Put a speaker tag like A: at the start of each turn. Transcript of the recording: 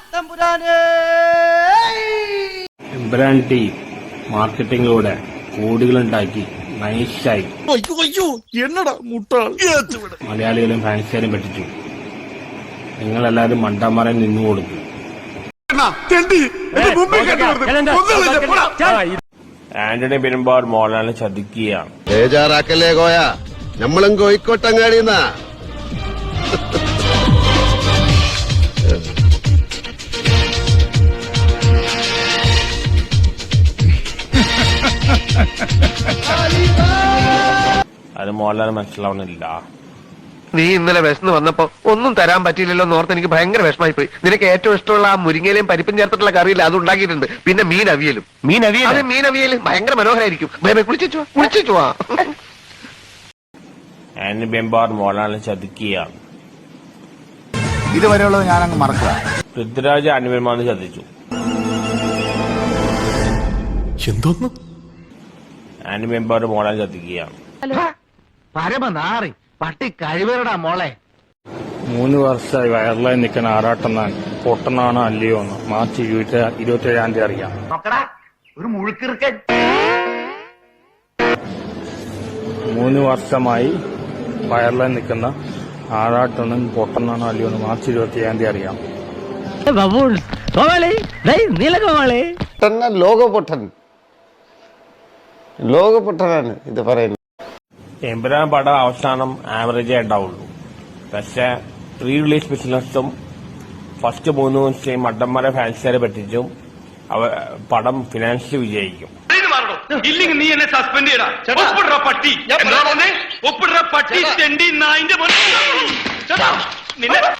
A: Empuraan team മാർക്കറ്റിംഗിലൂടെ കോടികളുണ്ടാക്കി നൈസായി മലയാളികളും ഫാൻസുകാരും പറ്റിച്ചു. നിങ്ങളെല്ലാരും മണ്ടന്മാരെ നിന്നു കൊടുക്കും. ആന്റണി പെരുമ്പാവൂർ മോഹൻലാലിനെ ചതിക്കുകയാണ്.
B: ബേജാറാക്കല്ലേ കോയ, നമ്മളും കോഴിക്കോട്ടങ്ങാടിന്നാ.
A: അത് മോഹൻലാൽ മനസ്സിലാവുന്നില്ല.
C: നീ ഇന്നലെ വിശന്ന് വന്നപ്പോ ഒന്നും തരാൻ പറ്റിയില്ലല്ലോ എന്നോർത്ത് എനിക്ക് ഭയങ്കര വിഷമായി പോയി. നിനക്ക് ഏറ്റവും ഇഷ്ടമുള്ള ആ മുരിങ്ങയിലും പരിപ്പും ചേർത്തിട്ടുള്ള കറിയില്ല, അത് ഉണ്ടാക്കിയിട്ടുണ്ട്. പിന്നെ മീൻ അവിയലും ഭയങ്കര മനോഹരായിരിക്കും. കുളിച്ചു
A: ആന്റണി പെരുമ്പാവൂർ മോഹൻലാലിനെ ചതിക്കുകയാണ്.
D: ഇതുവരെയുള്ളത് ഞാനങ്ങ് മറക്കുക.
A: പൃഥ്വിരാജ് ആന്റണി പെരുമ്പാവൂരിനെ ചതിച്ചു.
E: എന്തോന്ന്
A: ആന്റണി പെരുമ്പാവൂർ മോഹൻലാലിനെ ചതിക്കുകയാണ്.
C: പരമനാറി പട്ടി കഴിവേറടാ മോളെ.
A: 3 വർഷമായി വയറിലായി നിൽക്കുന്ന ആറാട്ടെന്നാൻ പൊട്ടനാണോ അല്ലയോ എന്ന് മാർച്ച് 27-ാം തീയതി അറിയാം.
C: ഒരു മുഴുക്കിറുക്കൻ
A: 3 വർഷമായി വയറിലായി നിൽക്കുന്ന ആറാട്ടെണ്ണൻ പൊട്ടനാണോ അല്ലയോ എന്ന് മാർച്ച് 27-ാം തീയതി അറിയാം.
B: ലോകപൊട്ടനാണ് ഇത് പറയുന്നത്.
A: എമ്പുരാൻ പടം അവസാനം ആവറേജേ ഉണ്ടാവുള്ളൂ. പക്ഷെ പ്രീ റിലീസ് ബിസിനസ്സും ഫസ്റ്റ് 3 ദിവസം മണ്ടന്മാരെ ഫാൻസുകാരെ പറ്റിച്ചും പടം ഫിനാൻഷ്യലി വിജയിക്കും.
F: ഇല്ലെങ്കിൽ നീ എന്നെ സസ്പെൻഡ് ചെയ്യടാ. ഒപ്പിടുற പട്ടി ഒപ്പിടുற പട്ടി.